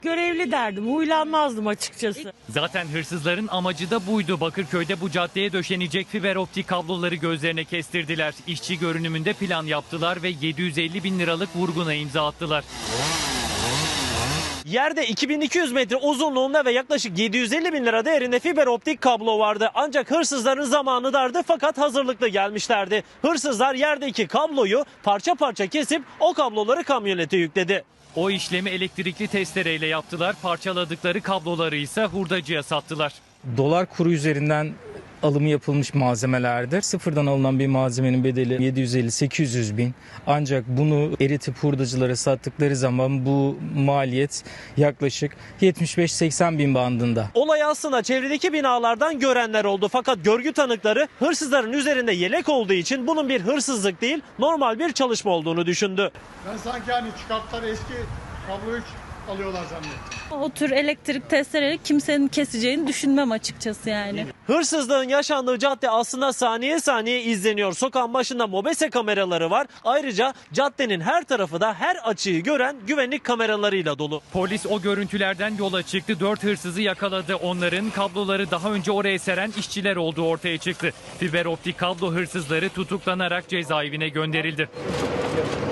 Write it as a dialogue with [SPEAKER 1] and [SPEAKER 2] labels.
[SPEAKER 1] Görevli derdim, huylanmazdım açıkçası.
[SPEAKER 2] Zaten hırsızların amacı da buydu. Bakırköy'de bu caddeye döşenecek fiber optik kabloları gözlerine kestirdiler. İşçi görünümünde plan yaptılar ve 750 bin liralık vurguna imza attılar.
[SPEAKER 3] Yerde 2200 metre uzunluğunda ve yaklaşık 750 bin lira değerinde fiber optik kablo vardı. Ancak hırsızların zamanı dardı fakat hazırlıklı gelmişlerdi. Hırsızlar yerdeki kabloyu parça parça kesip o kabloları kamyonete yükledi.
[SPEAKER 2] O işlemi elektrikli testereyle yaptılar. Parçaladıkları kabloları ise hurdacıya sattılar.
[SPEAKER 4] Dolar kuru üzerinden alımı yapılmış malzemelerdir. Sıfırdan alınan bir malzemenin bedeli 750-800 bin. Ancak bunu eritip hurdacılara sattıkları zaman bu maliyet yaklaşık 75-80 bin bandında.
[SPEAKER 3] Olay aslında çevredeki binalardan görenler oldu. Fakat görgü tanıkları hırsızların üzerinde yelek olduğu için bunun bir hırsızlık değil normal bir çalışma olduğunu düşündü.
[SPEAKER 5] Ben sanki hani çıkarttılar eski kabloyu alıyorlar zannettim.
[SPEAKER 6] O tür elektrik testereleri kimsenin keseceğini düşünmem açıkçası yani.
[SPEAKER 3] Hırsızlığın yaşandığı cadde aslında saniye saniye izleniyor. Sokağın başında mobese kameraları var. Ayrıca caddenin her tarafı da her açıyı gören güvenlik kameralarıyla dolu.
[SPEAKER 2] Polis o görüntülerden yola çıktı. 4 hırsızı yakaladı. Onların kabloları daha önce oraya seren işçiler olduğu ortaya çıktı. Fiber optik kablo hırsızları tutuklanarak cezaevine gönderildi.